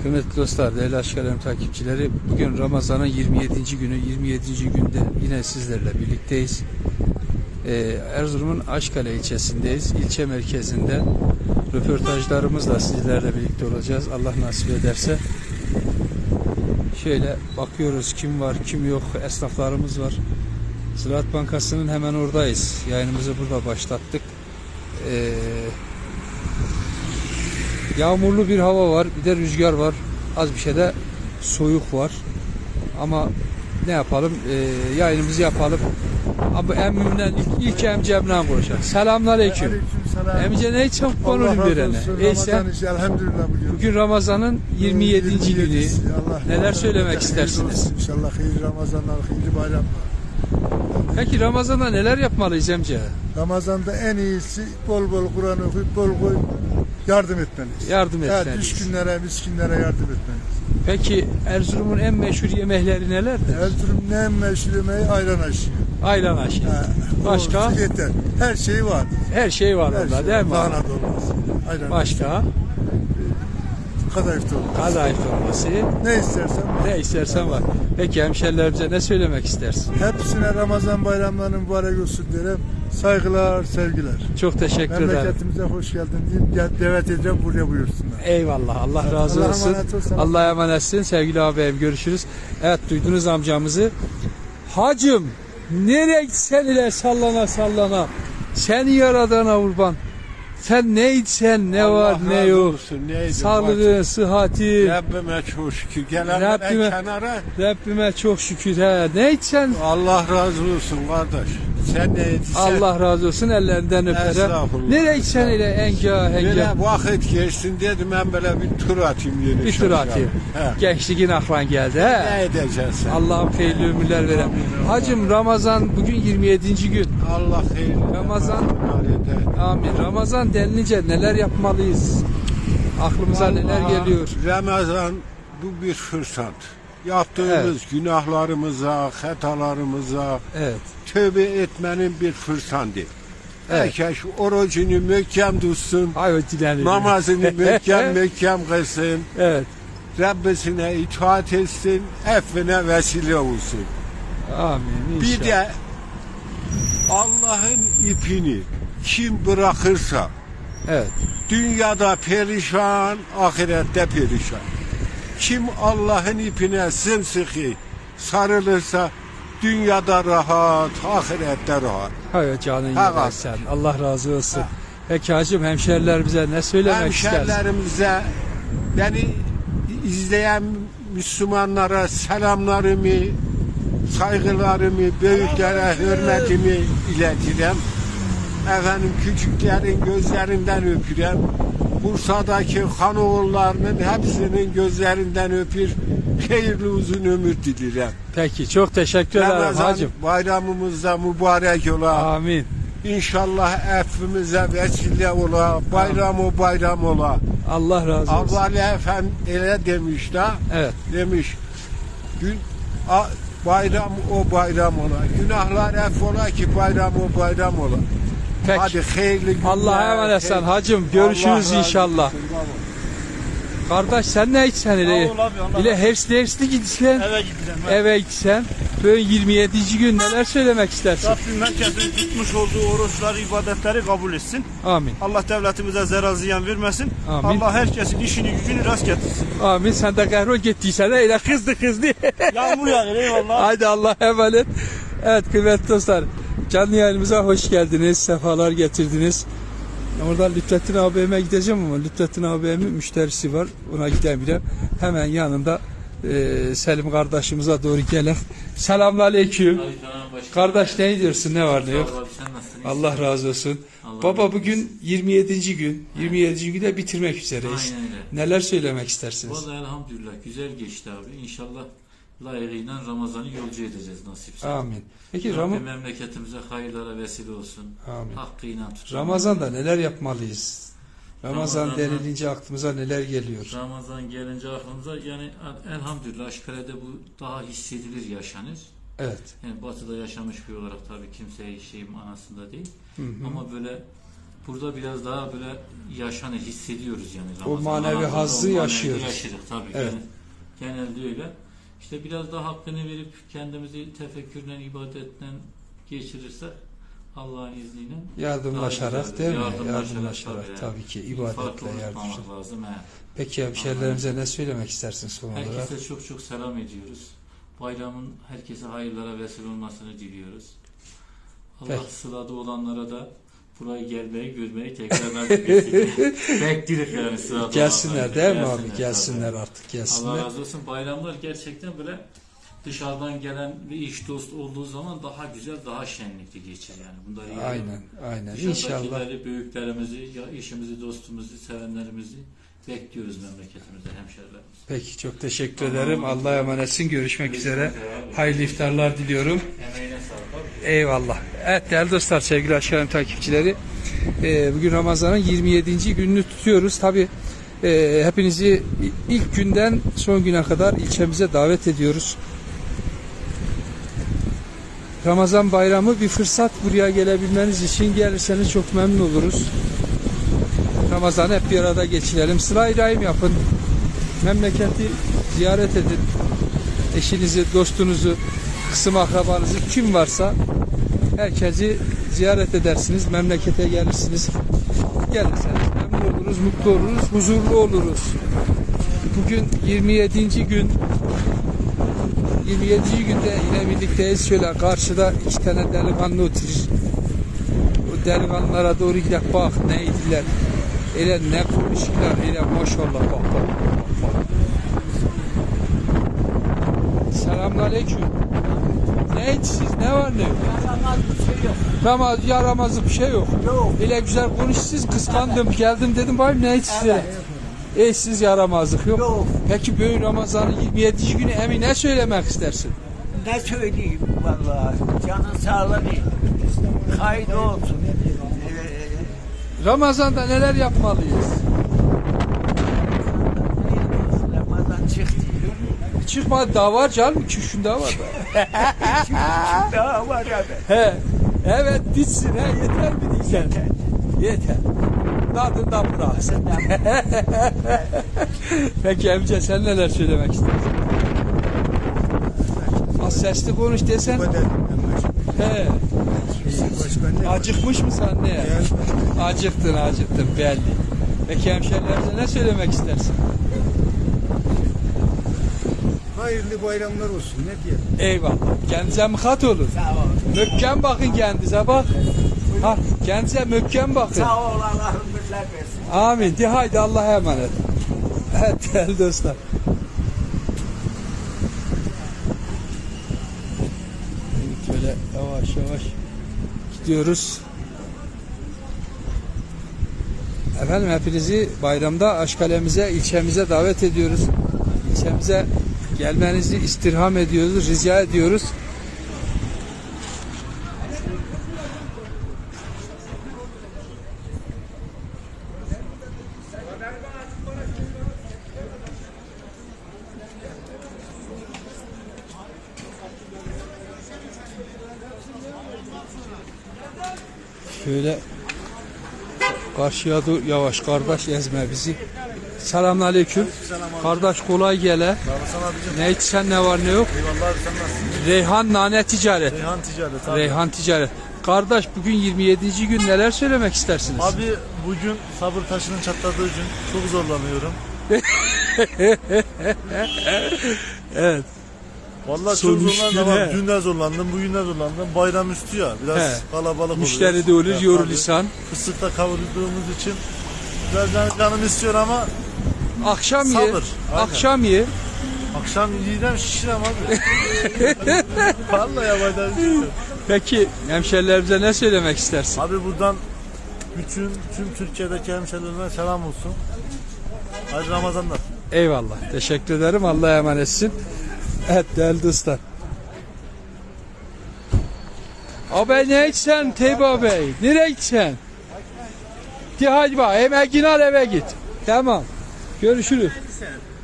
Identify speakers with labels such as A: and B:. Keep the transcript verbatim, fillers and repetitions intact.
A: Kıymetli dostlar, değerli Aşk Alem takipçileri, bugün Ramazan'ın yirmi yedinci günü, yirmi yedinci günde yine sizlerle birlikteyiz. Ee, Erzurum'un Aşkale ilçesindeyiz. İlçe merkezinde röportajlarımızla sizlerle birlikte olacağız. Allah nasip ederse. Şöyle bakıyoruz, kim var, kim yok, esnaflarımız var. Ziraat Bankası'nın hemen oradayız. Yayınımızı burada başlattık. Ee, Yağmurlu bir hava var, bir de rüzgar var. Az bir şey de soğuk var. Ama ne yapalım? Ee, yayınımızı yapalım. Ama emmimden ilk, ilk emcemden konuşalım. Selamünaleyküm.
B: Aleykümselam.
A: Emce ne için konuşayım birine? Neyse.
B: Elhamdülillah bugün.
A: Bugün Ramazan'ın yirmi yedinci günü.
B: Allah
A: Neler söylemek istersiniz?
B: İnşallah hayırlı Ramazanlar, hayırlı bayramlar.
A: Peki Ramazan'da neler yapmalıyız Emce?
B: Ramazan'da en iyisi bol bol Kur'an okuyup bol bol yardım etmeniz.
A: Yardım
B: Evet,
A: etmeliyiz.
B: düşkünlere, miskinlere yardım etmeniz.
A: Peki Erzurum'un en meşhur yemekleri nelerdir?
B: Erzurum'un en meşhur yemeği ayran aşı.
A: Ayran aşı. Başka?
B: Yeter. Her şeyi var.
A: Her şey var
B: Her
A: orada
B: şey
A: değil mi?
B: Lahana dolması. Ayran
A: Başka?
B: aşı. Kadayıf dolması.
A: Kadayıf dolması.
B: Ne istersen var.
A: Ne istersen var. Peki hemşerilerimize ne söylemek istersin?
B: Hepsine Ramazan bayramlarının mübarek olsun derim. Saygılar, sevgiler.
A: Çok teşekkür ederim.
B: Memleketimize hoş geldin diyeyim. Gel, davet edeceğim, buraya buyursunlar.
A: Eyvallah. Allah razı
B: Allah'a
A: olsun.
B: emanet olsun.
A: Allah'a emanetsin. Sevgili ağabeyim, görüşürüz. Evet, duydunuz amcamızı. Hacım, nereye gitsen ile sallana sallana. Seni yaradana kurban. Sen ne içsen, ne
C: Allah
A: var ne
C: razı
A: yok.
C: olsun, neydi
A: Sağlığın, sıhhati.
C: Rabbime çok şükür. Gelen
A: Rabbime-
C: kenara
A: Rabbime çok şükür. He. Ne içsen
C: Allah razı olsun kardeş. Sen ne etsen.
A: Allah razı olsun, ellerinden öperim.
C: Estağfurullah.
A: Nereye gitsen ile enga
C: Böyle
A: enga.
C: vakit geçsin dedim ben böyle bir tur atayım yeni
A: Bir tur atayım.
C: He.
A: Gençliğin aklan geldi. He.
C: Ne edeceksin?
A: Allah'ım hayırlı ömürler veren. Hacım Ramazan bugün yirmi yedinci gün.
C: Allah hayırlı.
A: Ramazan.
C: eder.
A: Amin. Ramazan denilince neler yapmalıyız? Aklımıza neler
C: Vallahi
A: geliyor?
C: Ramazan bu bir fırsat. Yaptığımız
A: Evet.
C: günahlarımıza, hatalarımıza
A: Evet.
C: tövbe etmenin bir fırsatı.
A: Evet.
C: Herkes orucunu möhkem tutsun.
A: Hayır dilerim.
C: Namazını möhkem möhkem kılsın.
A: Evet.
C: Rabbisine itaat etsin. Affine vesile olsun.
A: Amin.
C: Bir
A: İnşallah.
C: de Allah'ın ipini kim bırakırsa
A: Evet.
C: dünyada perişan, ahirette perişan. Kim Allah'ın ipine sımsıkı sarılırsa dünyada rahat, ahirette rahat.
A: Hayır canın
C: Ha,
A: yedin
C: var.
A: sen. Allah razı olsun.
C: Ha.
A: Peki hacım hemşerilerimize ne söylemek istersin?
C: Hemşerilerimize, beni izleyen Müslümanlara selamlarımı, saygılarımı, büyüklere hürmetimi iletirim. Efendim küçüklerin gözlerinden öpürüm. Bursa'daki hanoğullarının hepsinin gözlerinden öpür. Hayırlı uzun ömür dilerim.
A: Peki çok teşekkür ederim
C: Ramazan
A: hacım.
C: bayramımızda mübarek ola.
A: Amin.
C: İnşallah effimize vesile ola. Bayram o bayram ola.
A: Allah razı olsun.
C: Avvali Efendi öyle demiş de.
A: Evet.
C: Demiş. Gün a, bayram o bayram ola. Günahlar eff ola ki bayram o bayram ola.
A: Peki.
C: Hadi hayırlı günler.
A: Allah'a emanet sen
C: hayırlı-
A: hacım. Görüşürüz
C: Allah razı
A: inşallah.
C: olsun baba.
A: Kardeş sen ne içsen ile?
D: Sağ ol abi, Allah
A: İle
D: razı
A: hersli hersli gitsen.
D: Eve gideceğim.
A: Eve gitsen. Böyle yirmi yedinci gün neler söylemek istersin?
D: Rabbim herkesin tutmuş olduğu oruçları, ibadetleri kabul etsin.
A: Amin.
D: Allah devletimize zarar ziyan vermesin.
A: Amin.
D: Allah herkesin işini gücünü rast getirsin.
A: Amin. Sen de kahrol gittiysen de öyle kızdı kızdı.
D: Yağmur yağıyor eyvallah.
A: Haydi Allah'a emanet. Evet kıymetli dostlar. Canlı yayınımıza hoş geldiniz. Sefalar getirdiniz. Oradan Lütfettin abime gideceğim ama Lütfettin abimin müşterisi var. Ona gidemeyeceğim. Hemen yanında e, Selim kardeşimize doğru gelin. Selamünaleyküm. Kardeş ne diyorsun? Ne var ne yok? Allah razı olsun.
E: Allah
A: Baba
E: razı
A: bugün yirmi yedinci gün. yirmi yedinci günde bitirmek üzereyiz.
E: Aynen öyle.
A: Neler söylemek istersiniz?
E: Vallahi elhamdülillah güzel geçti abi. İnşallah layığıyla Ramazan'ı yolcu edeceğiz nasipse.
A: Amin. Peki
E: Rabbim
A: Ram
E: memleketimize hayırlara vesile olsun.
A: Amin.
E: Hakkıyla tutun.
A: Ramazan'da neler yapmalıyız? Ramazan
E: Ramazan'da-
A: denilince aklımıza neler geliyor?
E: Ramazan gelince aklımıza yani elhamdülillah Aşkale'de bu daha hissedilir yaşanır.
A: Evet.
E: Yani batıda yaşamış bir olarak tabii kimseye şeyim anasında değil.
A: Hı hı.
E: Ama böyle burada biraz daha böyle yaşanır, hissediyoruz yani.
A: O
E: Ramazan.
A: manevi
E: Ramazan'da
A: hazzı
E: o manevi
A: yaşıyoruz.
E: yaşadık tabii.
A: Evet.
E: Genel- genelde öyle. İşte biraz daha hakkını verip kendimizi tefekkürle, ibadetle geçirirsek Allah'ın izniyle
A: Yardımlaşarak
E: daha
A: değil mi?
E: güzel,
A: Yardımlaşarak
E: tabii,
A: tabii ki
E: Farklı
A: ibadetle
E: unutmamak
A: yardımlaşarak.
E: lazım. He.
A: Peki hemşerilerimize ne söylemek istersin son olarak?
E: Herkese çok çok selam ediyoruz. Bayramın herkese hayırlara vesile olmasını diliyoruz. Allah
A: Peki.
E: sılada olanlara da burayı gelmeyi, görmeyi tekrar nasip etsin. Bekliyoruz yani sılada
A: Gelsinler
E: olanları.
A: değil mi abi?
E: Gelsinler
A: Gelsinler
E: tabii.
A: artık
E: Allah
A: gelsinler.
E: razı olsun. Bayramlar gerçekten böyle dışarıdan gelen bir iş dost olduğu zaman daha güzel, daha şenlikli geçir yani. Bunları iyi
A: Aynen, aynen. İnşallah.
E: Dışarıdakileri, büyüklerimizi, ya işimizi, dostumuzu, sevenlerimizi bekliyoruz memleketimize, hemşerilerimize.
A: Peki çok teşekkür ederim. Allah'a emanetsin. Görüşmek üzere. Hayırlı iftarlar diliyorum.
E: Emeğine sağlık abi.
A: Eyvallah. Evet değerli dostlar, sevgili Aşkım takipçileri. e, bugün Ramazan'ın yirmi yedinci gününü tutuyoruz. Tabi e, hepinizi ilk günden son güne kadar ilçemize davet ediyoruz. Ramazan bayramı bir fırsat, buraya gelebilmeniz için gelirseniz çok memnun oluruz. Ramazan'ı hep bir arada geçirelim. Sıla-i Rahim yapın. Memleketi ziyaret edin. Eşinizi, dostunuzu, kısım akrabanızı kim varsa herkesi ziyaret edersiniz. Memlekete gelirsiniz. Gelirseniz memnun oluruz, mutlu oluruz, huzurlu oluruz. Bugün yirmi yedinci gün. yirmi yedinci günde yine birlikteyiz. Şöyle karşıda iki tane delikanlı oturur. O delikanlılara doğru gidelim, bak neydiler. Öyle ne konuşuyorlar, öyle maşallah bak bak bak bak. Selamünaleyküm. Ne içsiz, ne var ne yok?
F: Yaramaz bir şey yok.
A: Ramaz, yaramazlık bir şey yok.
F: Yok.
A: Öyle güzel konuşsuz, kıskandım, geldim dedim bayım ne içsiz? Evet. Eşsiz yaramazlık yok.
F: Yok.
A: Peki böyle Ramazan'ın yirmi yedinci günü emin ne söylemek istersin?
F: Ne söyleyeyim vallahi. Canın sağlığı. Kaydı olsun. Ee,
A: Ramazan'da neler yapmalıyız?
F: Ramazan çıktı.
A: Çıkmadı daha var canım, iki üç gün daha var da.
F: Daha var abi.
A: He, evet bitsin he, yeter mi diyeceksin? Yeter. Tadından bıraksın. Peki amca sen neler söylemek istersin? Az sesli konuş desen. He. Acıkmış mı sen ne? Acıktın acıktın belli. Peki hemşerilerimize ne söylemek istersin?
B: Hayırlı bayramlar olsun. Ne diyelim?
A: Eyvallah. Kendinize mıkat olun.
F: Sağ ol.
A: Mökkem bakın kendinize bak. Ha, kendinize mökkem bakın.
F: Sağ ol Allah'ım birler versin.
A: Amin. De haydi Allah'a emanet. Evet değerli dostlar. Şöyle yavaş yavaş gidiyoruz. Efendim hepinizi bayramda Aşkale'mize, ilçemize davet ediyoruz. İlçemize gelmenizi istirham ediyoruz, rica ediyoruz. Şöyle karşıya dur yavaş kardeş, ezme bizi. Selamünaleyküm. Kardeş kolay gele. Ne içsen ne var ne yok?
G: Eyvallah abi sen nasılsın?
A: Reyhan Nane Ticaret.
G: Reyhan Ticaret abi.
A: Reyhan Ticaret. Kardeş bugün yirmi yedinci gün neler söylemek istersiniz?
G: Abi bugün sabır taşının çatladığı gün çok zorlanıyorum.
A: Evet.
G: Vallahi
A: Son
G: çok
A: üç
G: zorlandım
A: gün,
G: ama
A: he.
G: dün de zorlandım, bugün de zorlandım. Bayram üstü ya biraz
A: He.
G: kalabalık
A: Müşteri
G: oluyor.
A: de olur,
G: Ya,
A: yorulusan.
G: tabii. Fıstıkta kavrulduğumuz için biraz can- canım istiyor ama
A: Akşam ye.
G: Sabır, aynen.
A: Akşam ye.
G: akşam yiyeceğim şişirem abi. Vallahi yapacağım bir şey yok.
A: Peki hemşerilerimize ne söylemek istersin?
G: Abi buradan bütün tüm Türkiye'deki hemşehrilerime selam olsun. Hayırlı Ramazanlar.
A: Eyvallah. Teşekkür ederim. Allah'a emanetsin. Evet değerli dostlar. Abi ne içsen Teyba Bey? Nereye gitsen? De hadi bak emeğini al eve git. Tamam. Görüşürüz.